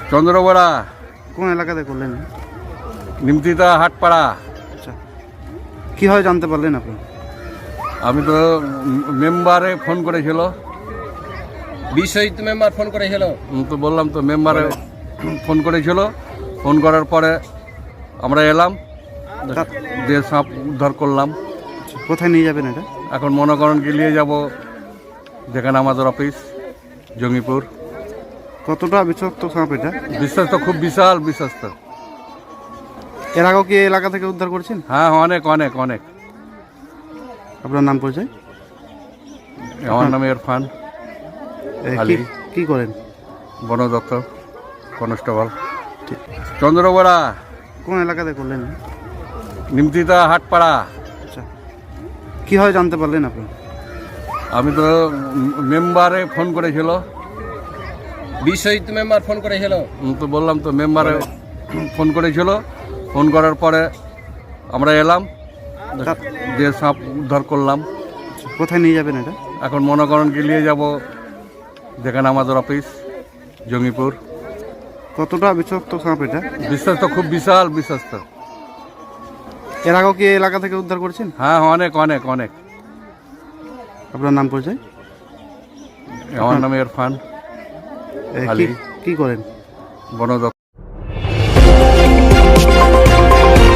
চন্দ্রবড়া, কোন এলাকাতে করলেন? নিমতিতা, হাটপাড়া। আচ্ছা, কীভাবে জানতে পারলেন আপনি? আমি তো মেম্বারে ফোন করেছিল। বিশ্বজিৎ মেম্বার ফোন করেছিল। তো বললাম তো মেম্বারে ফোন করেছিল। ফোন করার পরে আমরা এলাম, দিয়ে সাপ উদ্ধার করলাম। কোথায় নিয়ে যাবেন এটা? এখন মনে করেন কি নিয়ে যাব যেখানে আমাদের অফিস, জঙ্গিপুর। কতটা বিষাক্ত সাপ এটা? বিশ্বাস তো খুব বিশাল, বিশ্বাস তো। এর আগেও কি এই এলাকা থেকে উদ্ধার করেছেন? হ্যাঁ, অনেক অনেক অনেক। আপনার নাম পরিচয়? আমার নাম ইরফান আলী, কি করেন? বন দপ্তর কনস্টেবল। চন্দ্রবড়া, কোন এলাকাতে করলেন? নিমতিতা, হাটপাড়া। আচ্ছা, কীভাবে জানতে পারলেন আপনি? আমি তো মেম্বারে ফোন করেছিল। বিশ্বজিৎ মেম্বার ফোন করেছিল। তো বললাম তো মেম্বারে ফোন করেছিল। ফোন করার পরে আমরা এলাম, দিয়ে সাপ উদ্ধার করলাম। কোথায় নিয়ে যাবেন এটা? এখন মনে করেন কি নিয়ে যাব যেখানে আমাদের অফিস, জঙ্গিপুর। কতটা বিষাক্ত সাপ এটা? বিশ্বাস তো খুব বিশাল, বিশ্বাস তো। এর আগেও কি এই এলাকা থেকে উদ্ধার করেছেন? হ্যাঁ, অনেক অনেক অনেক। আপনার নাম পরিচয়? আমার নাম ইরফান আলী, কি করেন? বন দপ্তর।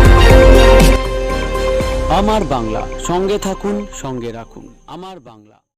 আমার বাংলা, সঙ্গে থাকুন, সঙ্গে রাখুন। আমার বাংলা।